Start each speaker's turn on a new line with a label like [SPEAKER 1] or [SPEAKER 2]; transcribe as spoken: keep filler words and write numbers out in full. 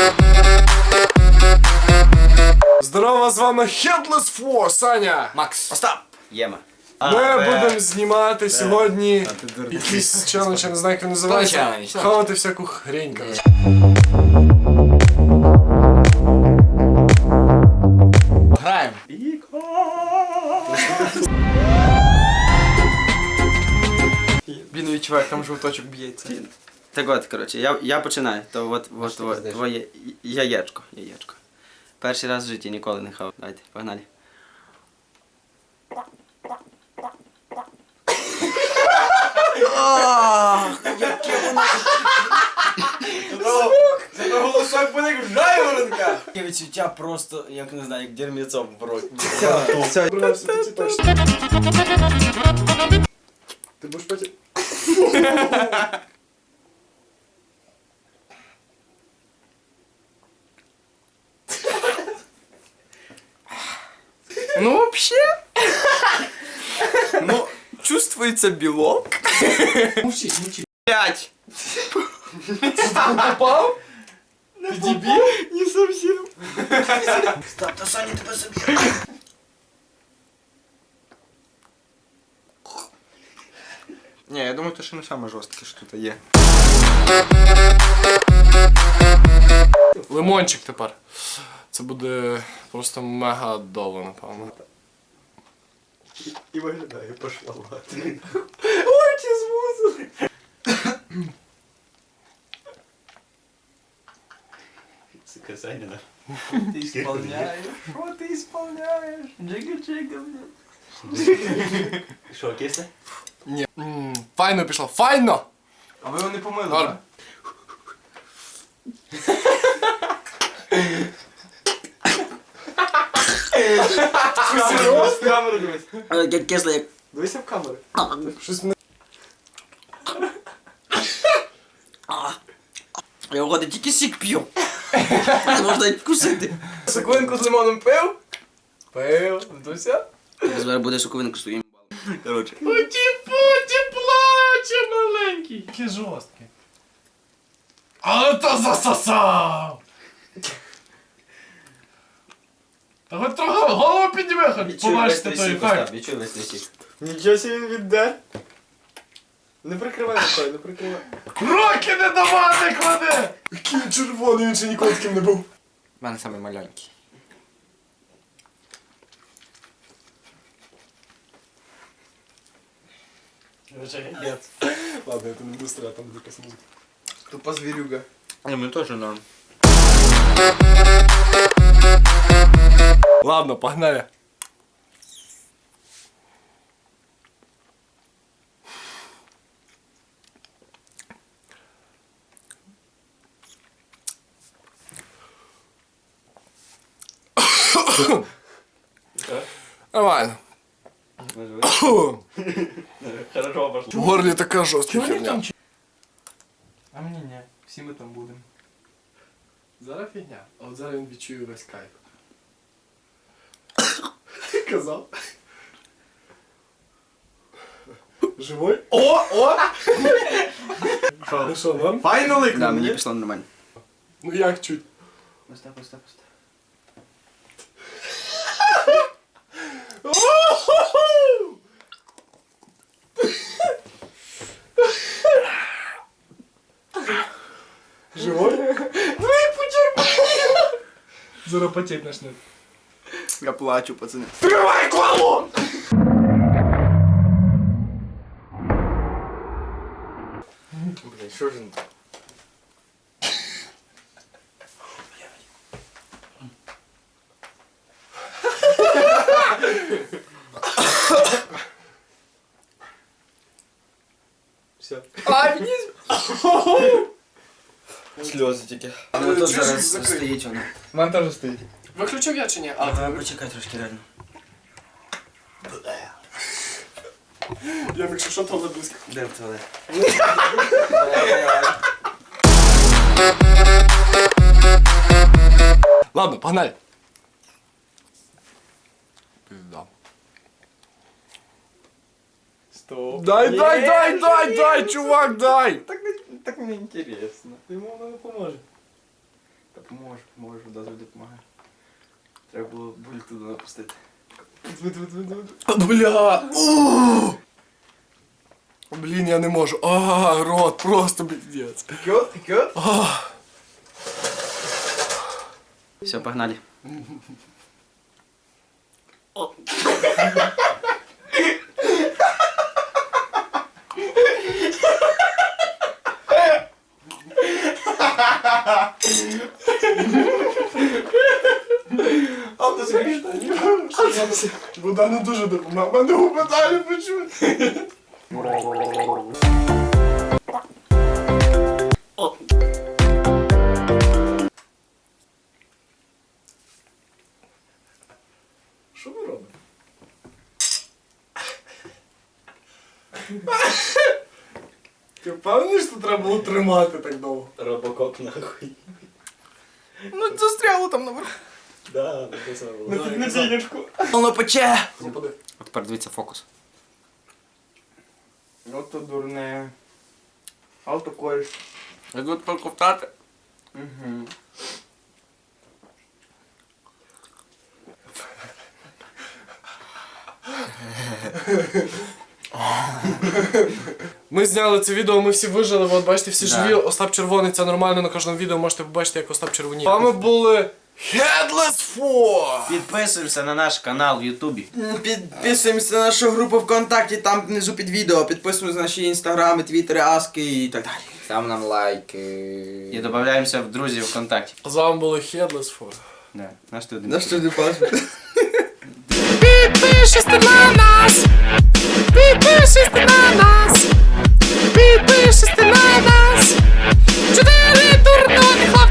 [SPEAKER 1] Здорово, з вами Headless Four, Саня!
[SPEAKER 2] Макс. Остап. Єма.
[SPEAKER 1] Ми будемо знімати сьогодні якийсь челендж, я не знаю, як він називається. Хавати всяку хрень, короче.
[SPEAKER 2] Граємо.
[SPEAKER 3] Блін, відчуваю, там жовточок б'ється.
[SPEAKER 2] Так от, коротше, я, я починаю. То от, от, от твоє яєчко, яєчко. Перший раз в житті ніколи не хав. Давайте, погнали.
[SPEAKER 3] Зато голосок буде як жайворонка. Таке відчуття просто, як не знаю, як дерміцом в роті.
[SPEAKER 1] Все, все, точно. Ти будеш потім...
[SPEAKER 3] Ну, вообще. Ну, чувствуется белок.
[SPEAKER 1] Мовчи, мовчи.
[SPEAKER 2] П'ять!
[SPEAKER 1] Попав?
[SPEAKER 3] Ты дебил? Не совсем. Стоп, то Саня тебе собі. Не, я думаю, то ще не саме жорстке, що тут є.
[SPEAKER 1] Лимончик тепер. Це буде просто мега довго, напевно.
[SPEAKER 3] І виглядає пошловато. Очі змусили.
[SPEAKER 4] Сука, Саня, да?
[SPEAKER 3] Ты исполняешь? Что ты исполняешь? Джига-джига, блядь.
[SPEAKER 4] Що, кисне?
[SPEAKER 1] Ні. М, Файно пішло, файно!
[SPEAKER 3] А ви його не помили,
[SPEAKER 1] Норм.
[SPEAKER 3] так? Серйозно? В камеру дивись.
[SPEAKER 2] Як кисло, як...
[SPEAKER 3] Дивися в камеру.
[SPEAKER 1] Щось мене...
[SPEAKER 2] Я виходить, тільки сік п'ю. Не можна навіть вкусити.
[SPEAKER 3] Соковинку з лимоном пив? Пив. Вдуся?
[SPEAKER 2] Зараз буде соковинку з твоїм балом. Коротше.
[SPEAKER 1] Путі-путі плаче маленький. Який жорсткий. Але то засосав! Та хоч трохи голову підніми, хоч побачите той ефект.
[SPEAKER 2] Відчуй весь той сік.
[SPEAKER 3] Нічого собі відде. Не прикривай рукою, не прикривай.
[SPEAKER 1] Руки не до мене клади! Який він червоний, він ще ніколи таким не був.
[SPEAKER 3] У мене самий маленький.
[SPEAKER 1] Ладно, это не быстро, а там буде якась музика.
[SPEAKER 3] Тупо звірюга. А мені теж норм.
[SPEAKER 1] Ладно, погнали. Нормально.
[SPEAKER 4] Хорошо пошло.
[SPEAKER 1] В горлі така жорстка херня.
[SPEAKER 3] А мені ні. Всі ми там будемо.
[SPEAKER 1] Зараз фігня, а от зараз він відчує весь кайф. Казав. Живой?
[SPEAKER 3] О, о!
[SPEAKER 1] Ну що, норм?
[SPEAKER 3] Файно лик.
[SPEAKER 2] Да, мені пішло нормально.
[SPEAKER 1] Ну як чуть?
[SPEAKER 2] Остап, Остап, Остап.
[SPEAKER 1] Живой? Ну і потерпи! Зараз потеть начнет.
[SPEAKER 3] Я плачу, пацани.
[SPEAKER 1] Тривай колу!
[SPEAKER 3] Блін, що ж він? Все. А, мені... Сльози тільки.
[SPEAKER 2] А ну тут
[SPEAKER 1] Чуєш,
[SPEAKER 2] зараз
[SPEAKER 1] закрий.
[SPEAKER 2] стоїть воно.
[SPEAKER 3] У мене теж стоїть.
[SPEAKER 1] Виключив я чи ні? А,
[SPEAKER 2] А, почекай трошки реально.
[SPEAKER 1] я якщо що, то близько.
[SPEAKER 2] Де в туалет?
[SPEAKER 1] Ладно, погнали. Пизда.
[SPEAKER 3] Стоп.
[SPEAKER 1] Дай, дай, дай, дай, дай, чувак, дай!
[SPEAKER 3] Так, не- так мені інтересно. Йому воно не поможе. Та Поможе, поможе, вода завжди допомагає. Треба було буль туди напустити.
[SPEAKER 1] Бля! Ууу! Блін, я не можу. А, рот, просто пиздец.
[SPEAKER 3] Кьот, кьот?
[SPEAKER 1] А.
[SPEAKER 2] Все, погнали.
[SPEAKER 3] А ти смішно?
[SPEAKER 1] Вода не дуже допомагає. Мене губи далі почують. Що ви робите? Ти впевнений, що треба було тримати так довго?
[SPEAKER 4] Робокоп нахуй.
[SPEAKER 3] Ну застряло там наверху.
[SPEAKER 4] Да, написано було.
[SPEAKER 1] На підмедійничку.
[SPEAKER 3] Воно пече!
[SPEAKER 1] Запади.
[SPEAKER 2] От тепер дивіться фокус.
[SPEAKER 3] От то дурне. Авто кориш.
[SPEAKER 1] Я тут проковтати.
[SPEAKER 3] Угу.
[SPEAKER 1] Ми зняли це відео, ми всі вижили, от бачите, всі
[SPEAKER 2] Да.
[SPEAKER 1] живі. Остап Червоний, це нормально на кожному відео, можете побачити, як Остап червоніє. З вами були Headless Four!
[SPEAKER 2] Підписуємося на наш канал в Ютубі.
[SPEAKER 3] Підписуємося на нашу групу ВКонтакті, там внизу під відео. Підписуємося на наші інстаграми, твіттери, аски і так далі. Став нам лайки.
[SPEAKER 2] І додаємося в друзі ВКонтакті.
[SPEAKER 1] З вами були Headless Four.
[SPEAKER 2] Да. Наш ти один.
[SPEAKER 3] На що ти паспорт?
[SPEAKER 5] Підпишись ти на нас, підпишись ти на нас, підпишись ти на нас. Чотири дурнуть хлопці.